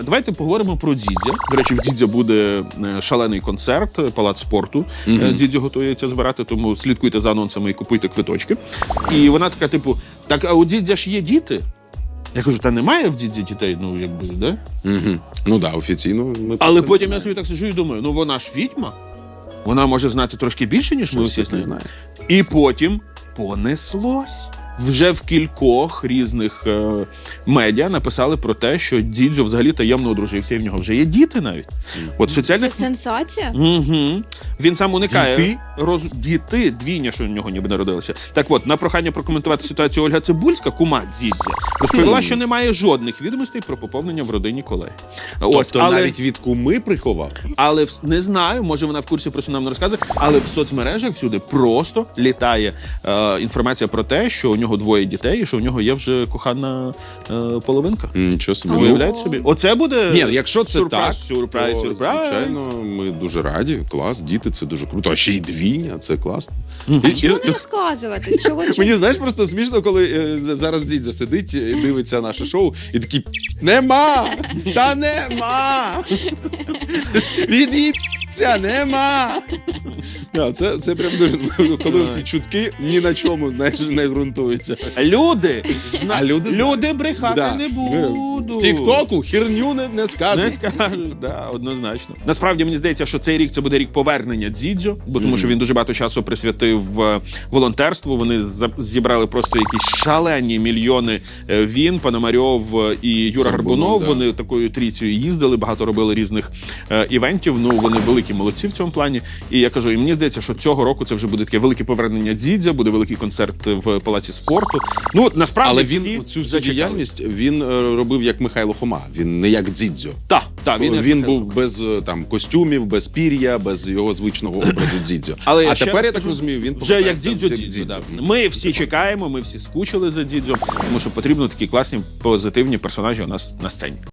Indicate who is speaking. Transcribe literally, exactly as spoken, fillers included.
Speaker 1: Давайте поговоримо про Дідзя. До речі, в Дідзя буде шалений концерт, палац спорту. Mm-hmm. Дідзя готується збирати, тому слідкуйте за анонсами і купуйте квиточки. І вона така, типу, так, а у Дідзя ж є діти? Я кажу, та немає в Дідзі дітей, ну, якби, да?
Speaker 2: Mm-hmm. Ну, да, офіційно. Ми
Speaker 1: Але потім я собі так сиджу і думаю, ну, вона ж відьма. Вона може знати трошки більше, ніж ми всі знаємо. І потім понеслось. Вже в кількох різних е, медіа написали про те, що Дідзьо взагалі таємно одружився, і в нього вже є діти навіть. От соціальних...
Speaker 3: Це сенсація?
Speaker 1: Угу. Він сам уникає.
Speaker 2: Діти?
Speaker 1: Роз... Діти, двійня, що в нього ніби народилися. Так от, на прохання прокоментувати ситуацію Ольга Цибульська, кума Дідзя, розповіла, що немає жодних відомостей про поповнення в родині колеги.
Speaker 2: Тобто
Speaker 1: Ось, але...
Speaker 2: навіть від куми приховав?
Speaker 1: Але не знаю, може вона в курсі, просто нам не розказує, але в соцмережах всюди просто літає е, інформація про те, що у нього двоє дітей і що в нього є вже кохана е, половинка.
Speaker 2: Нічого собі.
Speaker 1: Уявляєте собі? Оце буде
Speaker 2: Ні, якщо це
Speaker 1: сюрприз,
Speaker 2: так,
Speaker 1: сюрприз,
Speaker 2: то,
Speaker 1: сюрприз.
Speaker 2: звичайно, ми дуже раді. Клас, діти, це дуже круто. А ще й двійня, це класно.
Speaker 3: А чого не розказувати? Чого, чого?
Speaker 2: Мені, знаєш, просто смішно, коли е, зараз Дідзя сидить і дивиться наше шоу, і такий, нема! Та нема! Від'їбця, нема! Да, це, це прям дуже, коли ці чутки ні на чому, знаєш, не ґрунтуються.
Speaker 1: Люди, зна...
Speaker 2: А люди
Speaker 1: люди,
Speaker 2: знають.
Speaker 1: брехати
Speaker 2: Да.
Speaker 1: не будуть.
Speaker 2: В Тік-Току херню не, не скажуть.
Speaker 1: Не скажуть, да, однозначно. Насправді, мені здається, що цей рік це буде рік повернення Дідзьо, бо тому
Speaker 2: Mm-hmm.
Speaker 1: що він дуже багато часу присвятив е, волонтерству. Вони за- зібрали просто якісь шалені мільйони. Е, Він, Пономарьов е, і Юра
Speaker 2: Горбунов,
Speaker 1: Горбунов,
Speaker 2: да.
Speaker 1: вони такою трійцею їздили, багато робили різних е, івентів. Ну, вони великі молодці в цьому плані. І я кажу, і мені здається, що цього року це вже буде таке велике повернення Дідзя, буде великий концерт в Палаці спорту. Ну, от, насправді,
Speaker 2: Але
Speaker 1: всі
Speaker 2: він цю всю
Speaker 1: зачекались.
Speaker 2: діяльність він е, робив як Михайло Хома. Він не як Дзідзьо.
Speaker 1: Так, так,
Speaker 2: Він,
Speaker 1: як
Speaker 2: він
Speaker 1: Михайло.
Speaker 2: був без е, там костюмів, без пір'я, без його звичного образу Дзідзьо.
Speaker 1: Але
Speaker 2: а
Speaker 1: ще
Speaker 2: тепер,
Speaker 1: раз
Speaker 2: я так
Speaker 1: скажу,
Speaker 2: розумію, він
Speaker 1: вже як
Speaker 2: повертається
Speaker 1: Дідзьо
Speaker 2: в
Speaker 1: Дідзьо. Да. Ми всі чекаємо, ми всі скучили за Дідзьо, тому що потрібно такі класні, позитивні персонажі у нас на сцені.